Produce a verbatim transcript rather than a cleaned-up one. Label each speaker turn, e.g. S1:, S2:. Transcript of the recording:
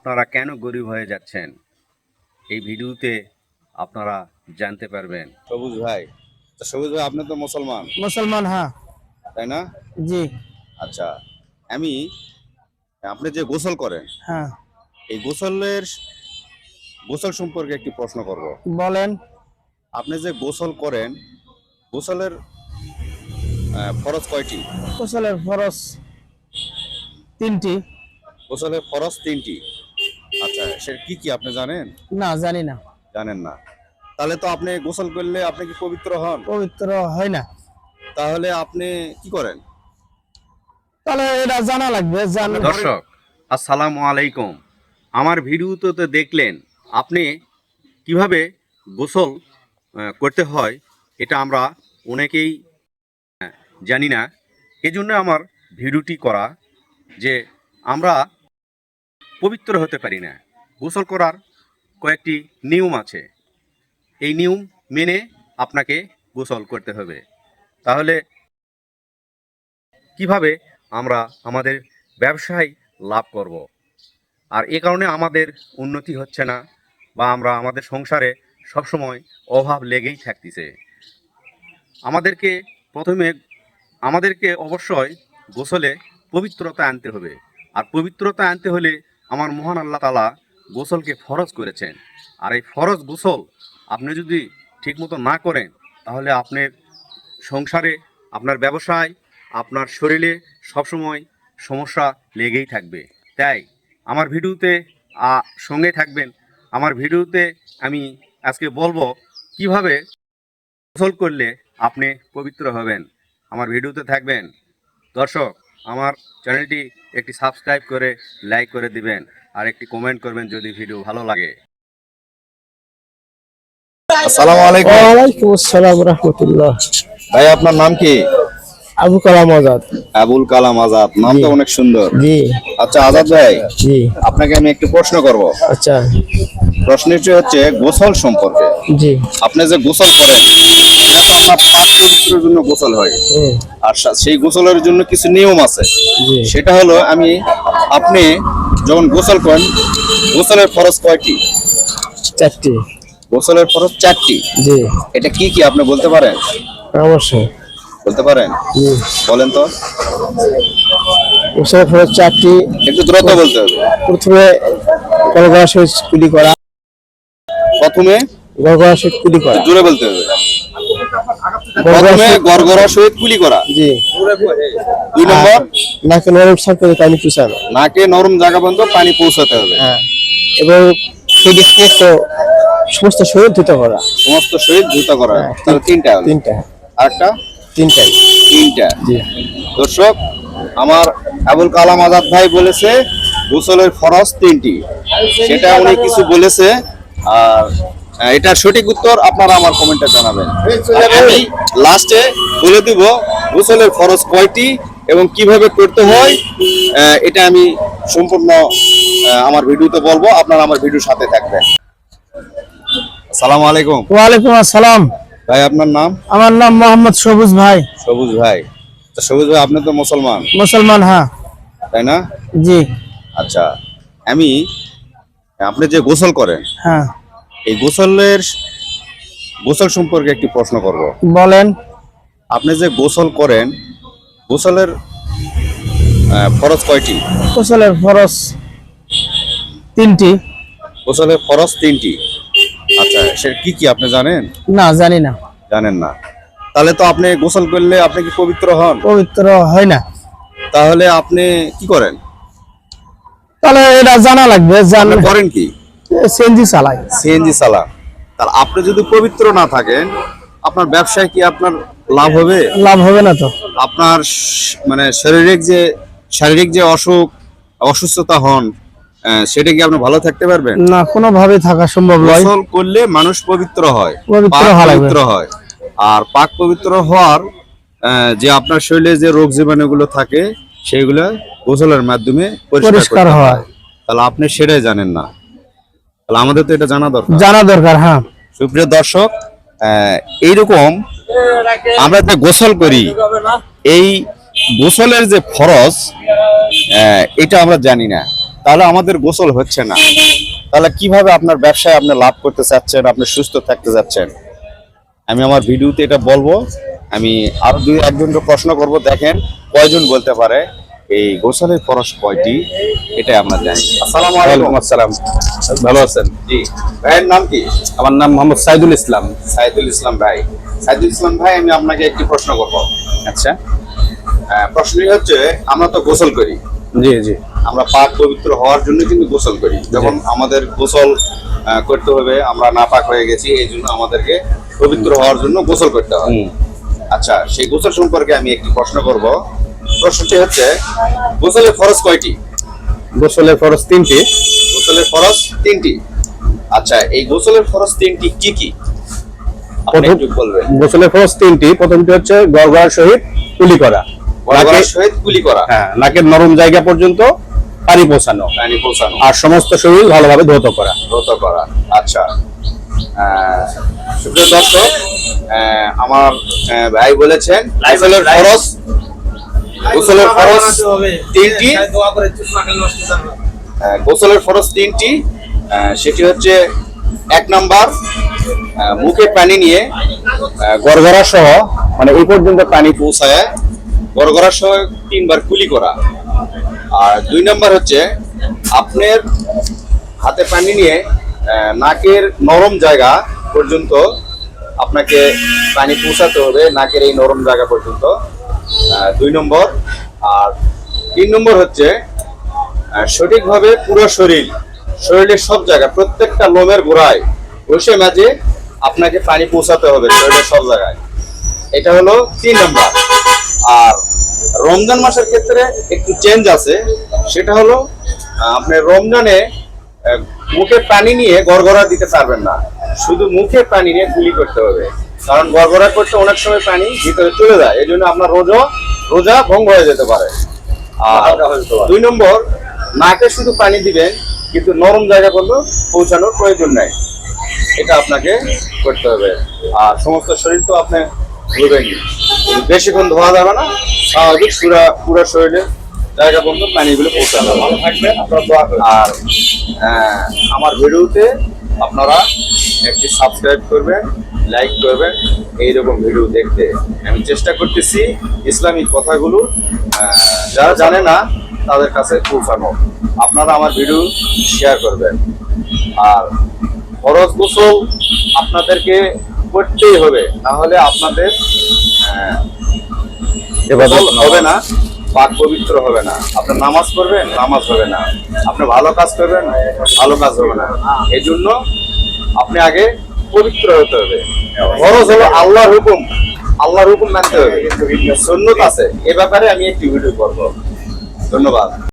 S1: আপনারা কেন গরিব হয়ে যাচ্ছেন এই ভিডিওতে আপনারা জানতে পারবেন।
S2: সবুজ ভাই, তো সবুজ ভাই আপনি তো মুসলমান,
S3: মুসলমান, হ্যাঁ।
S2: তাই না?
S3: জি।
S2: আচ্ছা, আমি আপনি যে গোসল করেন,
S3: হ্যাঁ,
S2: এই গোসলের গোসল সম্পর্কে একটি প্রশ্ন করব।
S3: বলেন।
S2: আপনি যে গোসল করেন, গোসলের আহ, ফরজ কয়টি?
S3: গোসলের ফরজ তিনটি।
S2: গোসলের ফরজ তিনটি। আচ্ছা, সে কি কি আপনি জানেন?
S3: না, জানি না।
S2: জানেন না? তাহলে তো আপনি গোসল করলে আপনি কি পবিত্র হন?
S3: পবিত্র হয় না।
S2: তাহলে আপনি কি করেন?
S3: তাহলে এটা জানা লাগবে। জান
S1: দর্শক আসসালামু আলাইকুম, আমার ভিডিওতে তো দেখলেন আপনি কিভাবে গোসল আহ, করতে হয়, এটা আমরা অনেকেই আহ, জানি না। এজন্য আমার ভিডিওটি করা যে আমরা পবিত্র হতে পারি না। গোসল করার কয়েকটি নিয়ম আছে, এই নিয়ম মেনে আপনাকে গোসল করতে হবে। তাহলে কিভাবে আমরা আমাদের ব্যবসায় লাভ করব, আর এ কারণে আমাদের উন্নতি হচ্ছে না, বা আমরা আমাদের সংসারে সবসময় অভাব লেগেই থাকতেছে। আমাদেরকে প্রথমে আমাদেরকে অবশ্যই গোসলে পবিত্রতা আনতে হবে। আর পবিত্রতা আনতে হলে আমার মহান আল্লাহ তাআলা গোসলকে ফরজ করেছেন। আর এই ফরজ গোসল আপনি যদি ঠিকমতো না করেন, তাহলে আপনার সংসারে, আপনার ব্যবসায়, আপনার শরীরে সবসময় সমস্যা লেগেই থাকবে। তাই আমার ভিডিওতে আ, সঙ্গে থাকবেন। আমার ভিডিওতে আমি আজকে বলবো কিভাবে গোসল করলে আপনি পবিত্র হবেন। আমার ভিডিওতে থাকবেন। দর্শক, আমার চ্যানেলটি একটি সাবস্ক্রাইব করে লাইক করে দিবেন, আর একটি কমেন্ট করবেন যদি ভিডিও ভালো লাগে।
S2: আসসালামু আলাইকুম।
S3: ওয়ালাইকুম আসসালাম রাহমাতুল্লাহ।
S2: ভাই আপনার নাম কি?
S3: আবু কালাম আজাদ।
S2: আবুল কালাম আজাদ, নামটা অনেক সুন্দর।
S3: জি।
S2: আচ্ছা আজাদ ভাই,
S3: জি।
S2: আপনাকে আমি একটু প্রশ্ন করব।
S3: আচ্ছা।
S2: প্রশ্নটি হচ্ছে গোসল সম্পর্কে।
S3: জি।
S2: আপনি যে গোসল করেন, এটা তো আপনার পাক পবিত্রের জন্য গোসল হয়।
S3: হুম।
S2: আর সা- সেই গোসলের জন্য কিছু নিয়ম আছে।
S3: জি।
S2: সেটা হলো, আমি আপনি যখন গোসল করেন, গোসলের ফরজ কয়টি?
S3: চারটি।
S2: গোসলের ফরজ চারটি।
S3: জি।
S2: এটা কি কি আপনি বলতে পারেন?
S3: অবশ্যই।
S2: বলতে পারেন?
S3: জি।
S2: বলেন তো।
S3: গোসলের ফরজ চারটি।
S2: একটু দ্রুত বলতে হবে।
S3: প্রথমে গড়গড়া সহিত কুলি করা।
S2: প্রথমে
S3: গড়গড়া সহিত কুলি করা।
S2: একটু জোরে বলতে হবে।
S3: গড়গড়া
S2: প্রথমে
S3: সহিত-
S2: গড়গড়ার সহিত কুলি করা।
S3: জি।
S2: দুই নম্বর,
S3: নাকে নরম সার করে পানি চুষানো।
S2: নাকে নরম জায়গা পর্যন্ত পানি পৌঁছাতে হবে।
S3: হ্যাঁ। এবং সেটি সমস্ত সমস্ত শরীর ধুতে করা।
S2: সমস্ত শরীর ধুত করা।
S3: হ্যাঁ,
S2: তাহলে তিনটা হলো।
S3: তিনটা।
S2: আরেকটা?
S3: তিনটাই।
S2: তিনটা।
S3: জি।
S2: দর্শক, আমার আবুল কালাম আজাদ ভাই বলেছে গোসলের ফরজ তিনটি। সেটা উনি কিছু বলেছে, আর আহ, এটার সঠিক উত্তর আপনারা আমার কমেন্টে জানাবেন। আর আমি লাস্টে বলে দিব গোসলের ফরজ কয়টি এবং কিভাবে করতে হয়। আহ, এটা আমি সম্পূর্ণ আহ, আমার ভিডিওতে বলবো, আপনারা আমার ভিডিওর সাথে থাকবেন। আসসালামু আলাইকুম।
S3: ওয়ালাইকুম আসসালাম।
S2: ভাই আপনার নাম?
S3: আমার নাম মোহাম্মদ সবুজ ভাই।
S2: সবুজ ভাই, তো সবুজ ভাই আপনি তো মুসলমান,
S3: মুসলমান, হ্যাঁ।
S2: তাই না?
S3: জি।
S2: আচ্ছা, আমি আপনি যে গোসল করেন,
S3: হ্যাঁ,
S2: এই গোসলের গোসল সম্পর্কে একটি প্রশ্ন করব।
S3: বলেন।
S2: আপনি যে গোসল করেন, গোসলের আহ, ফরজ কয়টি?
S3: গোসলের ফরজ তিনটি।
S2: গোসলের ফরজ তিনটি। আচ্ছা, সে কি কি আপনি জানেন?
S3: না, জানি না।
S2: জানেন না? তাহলে তো আপনি গোসল করলে আপনি কি পবিত্র হন?
S3: পবিত্র হয় না।
S2: তাহলে আপনি কি করেন?
S3: তাহলে এটা জানা লাগবে। জান
S2: আপনি করেন কি?
S3: সিএনজি চালাই।
S2: সিএনজি চালান। তাহলে আপনি যদি পবিত্র না থাকেন, আপনার ব্যবসায় কি আপনার লাভ হবে?
S3: লাভ হবে না তো।
S2: আপনার শ- মানে শারীরিক যে শারীরিক যে অসুখ অসুস্থতা হন, আহ, সেটা কি আপনি ভালো থাকতে পারবেন?
S3: না, কোনোভাবে থাকা সম্ভব নয়।
S2: গোসল করলে মানুষ পবিত্র হয়,
S3: পবিত্র
S2: পাক
S3: হওয়া লাগবে।
S2: পবিত্র হয়। আর পাক পবিত্র হওয়ার আহ, যে আপনার শরীরে যে রোগ জীবাণুগুলো থাকে, সেগুলো গোসলের মাধ্যমে পরিষ্কার
S3: পরিষ্কার
S2: করতে
S3: হয়।
S2: হয়। তাহলে আপনি সেটাই জানেন না। তাহলে আমাদের তো এটা জানা দরকার।
S3: জানা দরকার, হ্যাঁ।
S2: সুপ্রিয় দর্শক, আহ, এইরকম আমরা যে গোসল করি, এই গোসলের যে ফরজ, আহ, এটা আমরা জানি না। তাহলে আমাদের গোসল হচ্ছে না। তাহলে কিভাবে আপনার ব্যবসায় আপনি লাভ করতে চাচ্ছেন, আপনি সুস্থ থাকতে যাচ্ছেন? আমি আমার ভিডিওতে এটা বলবো। আমি আরো দুই একজনকে প্রশ্ন করব, দেখেন কয়জন বলতে পারে এই গোসলের ফরজ কয়টি, এটা আমরা জানি। আসসালামু আলাইকুম।
S4: ওয়ালাইকুম আসসালাম। ভালো আছেন?
S2: জি, ভাইয়ের নাম কি?
S4: আমার নাম মোহাম্মদ সাইদুল ইসলাম।
S2: সাইদুল ইসলাম ভাই। সাইদুল ইসলাম ভাই, আমি আপনাকে একটি প্রশ্ন করব।
S4: আচ্ছা,
S2: আহ, প্রশ্নটি হচ্ছে, আমরা তো গোসল করি,
S4: জি জি
S2: আমরা পাক পবিত্র হওয়ার জন্য কিন্তু গোসল করি। যখন আমাদের গোসল আহ, করতে হবে, আমরা নাপাক হয়ে গেছি, এই জন্য আমাদেরকে পবিত্র হওয়ার জন্য গোসল করতে হয়।
S4: হুম।
S2: আচ্ছা, সেই গোসল সম্পর্কে আমি একটি প্রশ্ন করব। প্রশ্নটি হচ্ছে, গোসলের ফরজ কয়টি?
S4: গোসলের ফরজ তিনটি।
S2: গোসলের ফরজ তিনটি। আচ্ছা, এই গোসলের ফরজ তিনটি কি কি আপনি
S4: প্রথম-
S2: একটু বলবেন?
S4: গোসলের ফরজ তিনটি। প্রথমটি হচ্ছে গড়গড়ার সহিত কুলি করা,
S2: গড়গড়ার
S4: নাকে-
S2: সহিত কুলি করা,
S4: হ্যাঁ, নাকের নরম জায়গা পর্যন্ত পানি পৌঁছানো,
S2: পানি পৌঁছানো,
S4: আর সমস্ত শরীর ভালোভাবে ধৌত করা।
S2: ব্রত করা। আচ্ছা, আহ, সুপ্রিয় দর্শক, আহ, আমার আহ, ভাই বলেছেন গোসলের ফরজ গোসলের ফরজ তিনটি। আহ, গোসলের ফরজ তিনটি। আহ, সেটি হচ্ছে, এক নাম্বার, আহ, মুখে পানি নিয়ে আহ,
S4: গড়গড়া সহ মানে এই পর্যন্ত পানি
S2: পৌঁছায় গড়গড়ার সহ তিনবার কুলি করা। আর দুই নাম্বার হচ্ছে, আপনার হাতে পানি নিয়ে আহ, নাকের নরম জায়গা পর্যন্ত আপনাকে পানি পৌঁছাতে হবে, নাকের এই নরম জায়গা পর্যন্ত। আহ, দুই নম্বর। আর তিন নম্বর হচ্ছে, আহ, সঠিকভাবে পুরো শরীর শরীরের সব জায়গা, প্রত্যেকটা লোমের গোড়ায় বসে মাঝে আপনাকে পানি পৌঁছাতে হবে শরীরের সব জায়গায়। এটা হলো তিন নম্বর। আর রমজান মাসের ক্ষেত্রে একটু চেঞ্জ আছে, সেটা হলো আহ, আপনি রমজানে আহ, মুখে পানি নিয়ে গড়গড়া দিতে পারবেন না, শুধু মুখে পানি নিয়ে কুলি করতে হবে। কারণ গড়গড়া করতে অনেক সময় পানি ভিতরে চলে যায়, এই জন্য আপনার রোজা রোজা ভঙ্গ হয়ে যেতে পারে। আর দুই নম্বর, নাকে শুধু পানি দিবেন, কিন্তু নরম জায়গা পর্যন্ত পৌঁছানোর প্রয়োজন নাই, এটা আপনাকে করতে হবে। আর সমস্ত শরীর তো আপনি ধুবেনই, কিন্তু বেশিক্ষণ ধোয়া যাবে না, স্বাভাবিক পুরা পুরো শরীরে জায়গা পর্যন্ত পানিগুলো পৌঁছানো। ভালো থাকবেন, আপনারা দোয়া করবেন। আর আহ, আমার ভিডিওতে আপনারা একটি সাবস্ক্রাইব করবেন, লাইক করবেন, এইরকম ভিডিও দেখতে আমি চেষ্টা করতেছি ইসলামিক কথাগুলো আহ, যারা জানে না তাদের কাছে পৌঁছানো। আপনারা আমার ভিডিও শেয়ার করবেন। আর ফরজ গোসল আপনাদেরকে করতেই হবে, তাহলে আপনাদের আহ, গোসল হবে না, পাক পবিত্র হবে না। আপনি নামাজ পড়বেন, নামাজ হবে না। আপনি ভালো কাজ করবেন, ভালো কাজ হবে না। এই জন্য আপনি আগে পবিত্র হতে হবে। ফরজ হলো আল্লাহর হুকুম, আল্লাহর হুকুম মানতে হবে। সুন্নাত আছে, এ ব্যাপারে আমি একটি ভিডিও করব। ধন্যবাদ।